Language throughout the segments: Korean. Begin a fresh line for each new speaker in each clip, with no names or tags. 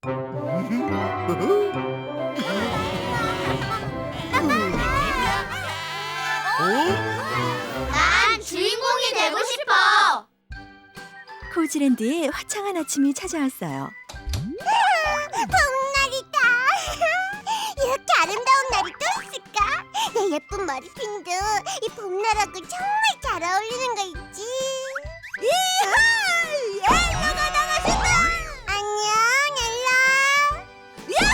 난 주인공이 되고 싶어.
코즈랜드에 화창한 아침이 찾아왔어요.
봄날이다. 이렇게 아름다운 날이 또 있을까? 내 예쁜 머리핀도 이 봄날하고 정말 잘 어울리는 거 있지. 이하! 엘라가 나가신다. 안녕, 엘라.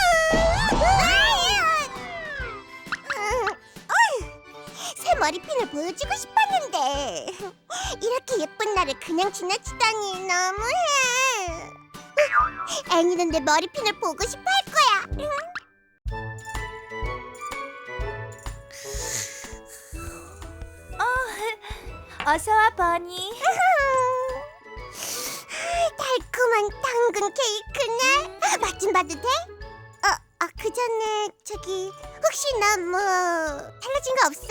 새 머리핀을 보여주고 싶었는데 이렇게 예쁜 날을 그냥 지나치다니 너무해. 애니는 내 머리핀을 보고 싶어 할 거야.
어서 와, 버니.
달콤한 당근 케이크네. 맛 좀 봐도 돼? 그 전에 저기 혹시 나 뭐 달라진 거 없어?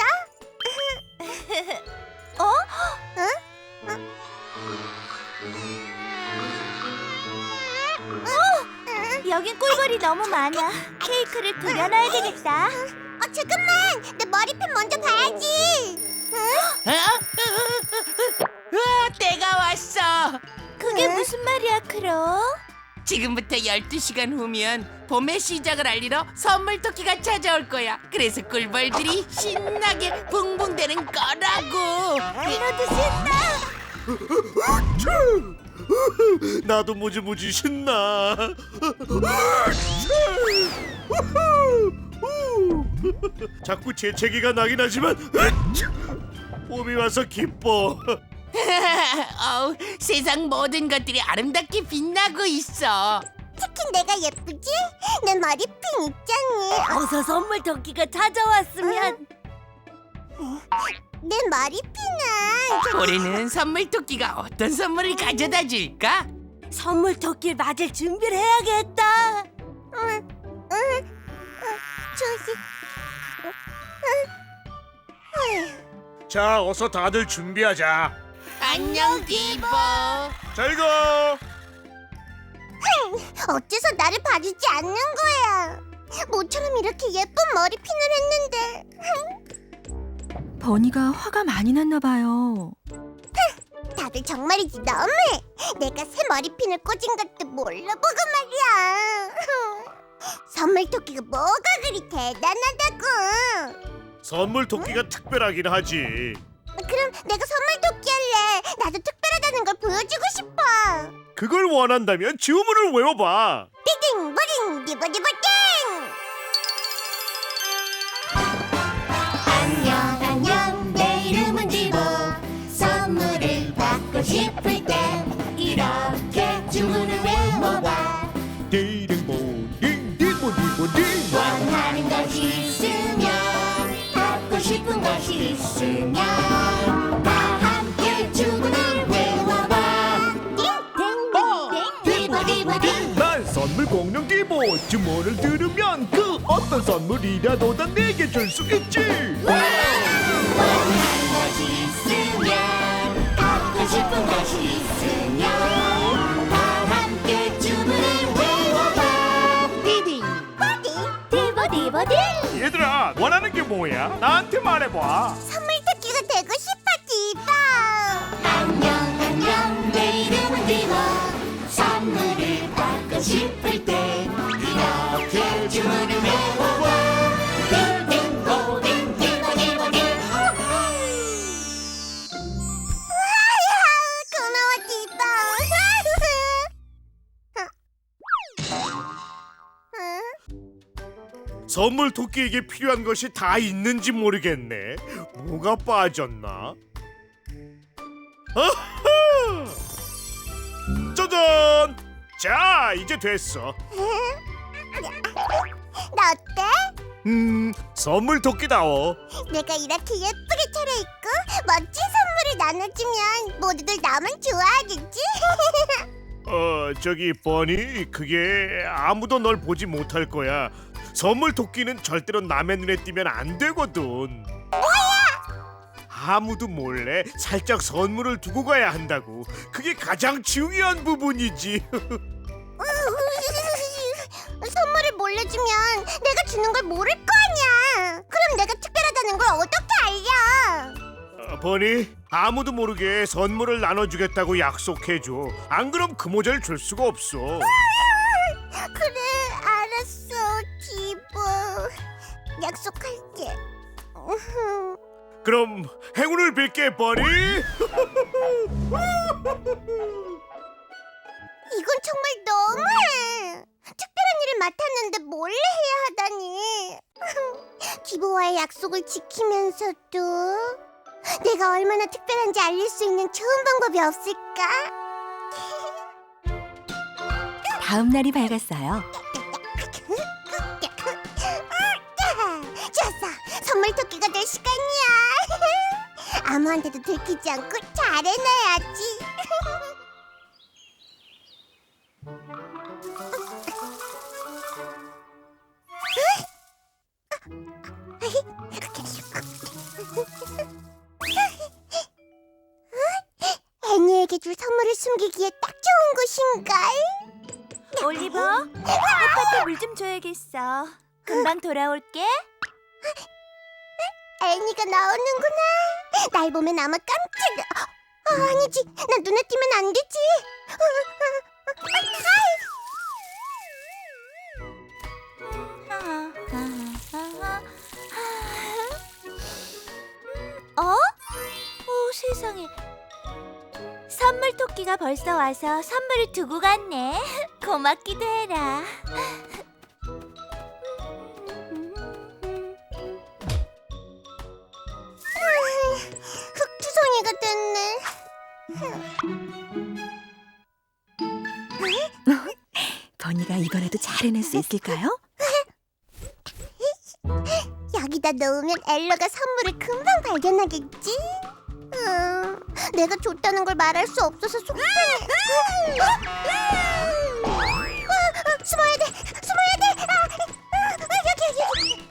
여긴 꿀벌이 너무 많아. 케이크를 그려놔야 되겠다.
잠깐만, 내 머리핀 먼저 봐야지.
때가 왔어.
그게 무슨 말이야, 크로?
지금부터 12시간 후면 봄의 시작을 알리러 선물 토끼가 찾아올 거야. 그래서 꿀벌들이 신나게 붕붕대는 거라고.
크로도 신나.
나도 무지무지 신나. 자꾸 재채기가 나긴 하지만 봄이 와서 기뻐.
어우, 세상 모든 것들이 아름답게 빛나고 있어.
특히 내가 예쁘지? 내 머리핀 있잖니.
어서 선물 토끼가 찾아왔으면.
내 머리핀은
올해는 선물 토끼가 어떤 선물을 가져다 줄까?
선물 토끼를 맞을 준비를 해야겠다.
조시.
자, 어서 다들 준비하자.
안녕, 디보.
잘 가.
어째서 나를 봐주지 않는 거야? 모처럼 이렇게 예쁜 머리핀을 했는데.
버니가 화가 많이 났나 봐요.
다들 정말이지 너무해. 내가 새 머리핀을 꽂은 것도 몰라보고 말이야. 선물 토끼가 뭐가 그리 대단하다고.
선물 토끼가 특별하긴 하지.
그럼 내가 선물 토끼 할래. 나도 특별하다는 걸 보여주고 싶어.
그걸 원한다면 주문을 외워봐.
띠딩 버딩 디버디버딩.
안녕 안녕 내 이름은 디보. 선물을 받고 싶을 때 이렇게 주문을 외워봐.
디딩보딩 디보디보딩.
원하는 것이 있으면 받고 싶은 것이 있으면 다 함께 주문을 외워봐. 띵띵띵 디보디보딩.
난 선물 공룡 디보. 주문을 들으면 그 어떤 선물이라도 다 내게 줄 수 있지.
원하는 것이 있으면 갖고 싶은 것이 있으면 다 함께 주문을 외워봐. 디딩 디보디보딩.
얘들아, 원하는 게 뭐야? 나한테 말해봐.
선물 토끼가 되고 싶어 디바.
안녕 안녕 내 이름은 디보. 선물을 받고 싶을 때 이렇게 주문을 외워봐. 디딩 보딩 디보디보딩.
고마워 디바.
선물 토끼에게 필요한 것이 다 있는지 모르겠네. 뭐가 빠졌나? 아하! 짜잔! 자, 이제 됐어.
나 어때?
선물 토끼다워.
내가 이렇게 예쁘게 차려입고 멋진 선물을 나눠주면 모두들 나만 좋아하겠지?
저기 버니, 그게 아무도 널 보지 못할 거야. 선물 토끼는 절대로 남의 눈에 띄면 안 되거든. 아무도 몰래 살짝 선물을 두고 가야 한다고. 그게 가장 중요한 부분이지.
주는 걸 모를 거 아니야. 그럼 내가 특별하다는 걸 어떻게 알려?
버니, 아무도 모르게 선물을 나눠주겠다고 약속해줘. 안 그럼 그 모자를 줄 수가 없어.
그래, 알았어, 디보. 약속할게.
그럼 행운을 빌게, 버니.
이건 정말 너무해. 특별한 일을 맡았는데 몰래 해야 하다니. 디보와의 약속을 지키면서도 내가 얼마나 특별한지 알릴 수 있는 좋은 방법이 없을까?
다음 날이 밝았어요.
좋았어, 선물 토끼가 될 시간이야. 아무한테도 들키지 않고 잘 해놔야지. 애니에게 줄 선물을 숨기기에 딱 좋은 곳인걸?
올리버, 아빠한테 물 좀 줘야겠어. 금방 돌아올게.
애니가 나오는구나. 날 보면 아마 깜짝... 아니지, 난 눈에 띄면 안 되지.
오, 세상에. 선물 토끼가 벌써 와서 선물을 두고 갔네. 고맙기도 해라.
흑투성이가 됐네.
버니가 이번에도 잘 해낼 수 있을까요?
여기다 넣으면 엘러가 선물을 금방 발견하겠지? 내가 줬다는 걸 말할 수 없어서 속상해. 숨어야 돼, 숨어야 돼. 여기.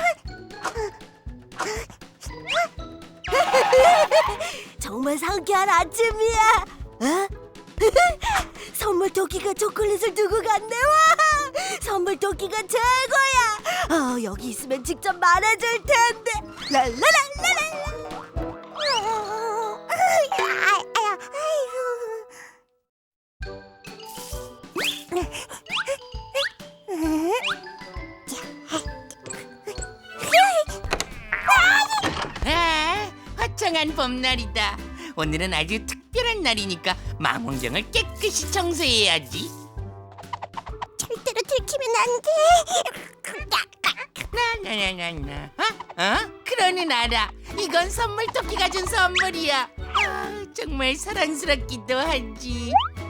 정말 상쾌한 아침이야. 어? 선물 토끼가 초콜릿을 두고 갔네. 와! 선물 토끼가 최고야. 여기 있으면 직접 말해줄 텐데. 랄라랄라라.
화창한 봄날이다. 오늘은 아주 특별한 날이니까 망원경을 깨끗이 청소해야지.
절대로 들키면 안 돼.
나나나나나. 그러는 알아. 이건 선물 토끼가 준 선물이야. 정말 사랑스럽기도 하지.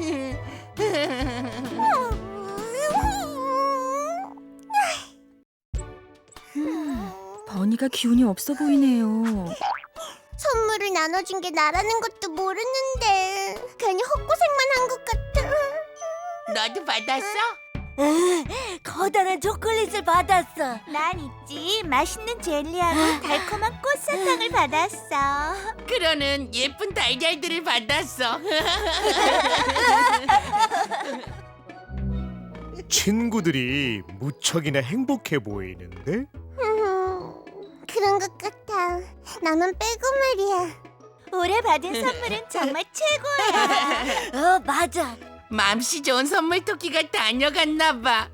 버니가 기운이 없어 보이네요.
선물을 나눠준 게 나라는 것도 모르는데 괜히 헛고생만 한 것 같아.
너도 받았어?
커다란 초콜릿을 받았어.
난 있지. 맛있는 젤리하고 달콤한 꽃사탕을 받았어.
그러는 예쁜 달걀들을 받았어.
친구들이 무척이나 행복해 보이는데?
그런 것 같아. 나만 빼고 말이야.
올해 받은 선물은 정말 최고야.
맞아.
맘씨 좋은 선물 토끼가 다녀갔나 봐.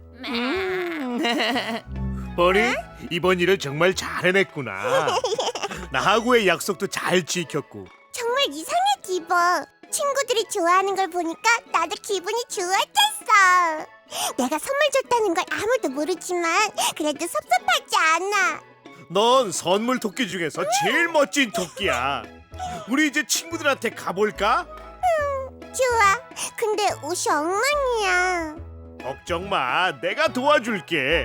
버니, 이번 일을 정말 잘 해냈구나. 나하고의 약속도 잘 지켰고.
정말 이상해, 디보. 친구들이 좋아하는 걸 보니까 나도 기분이 좋아졌어. 내가 선물 줬다는 걸 아무도 모르지만 그래도 섭섭하지 않아.
넌 선물 토끼 중에서 제일 멋진 토끼야. 우리 이제 친구들한테 가볼까?
좋아. 근데 옷이 엉망이야.
걱정 마, 내가 도와줄게.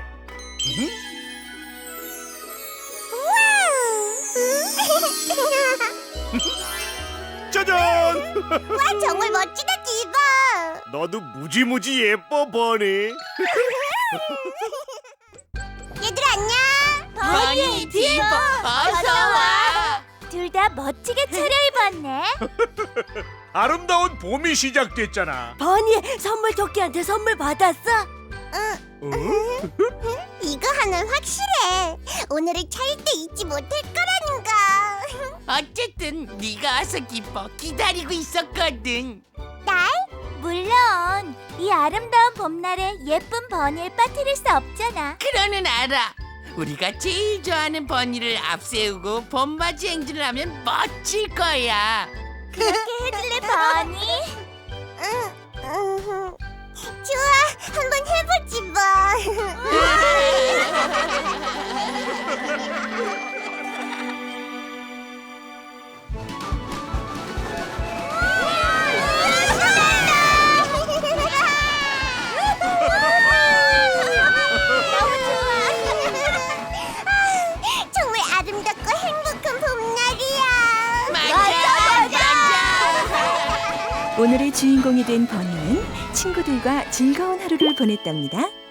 짜잔!
와, 정말 멋지다, 디보.
너도 무지무지 예뻐, 버니.
얘들아, 안녕.
버니, 디보, 어서 와.
둘 다 멋지게 차려입었네.
아름다운 봄이 시작됐잖아.
버니, 선물 토끼한테 선물 받았어?
어?
이거 하나는 확실해. 오늘을 절대 잊지 못할 거라는 거.
어쨌든 네가 와서 기뻐 기다리고 있었거든.
날?
물론 이 아름다운 봄날에 예쁜 버니를 빠뜨릴 수 없잖아.
그러는 알아. 우리가 제일 좋아하는 버니를 앞세우고 봄맞이 행진을 하면 멋질 거야.
그렇게 해줄래, 버니?
좋아, 한번 해보지 뭐. 정말 아름답고 행복한 봄날이야.
맞아.
오늘의 주인공이 된 버니는 친구들과 즐거운 하루를 보냈답니다.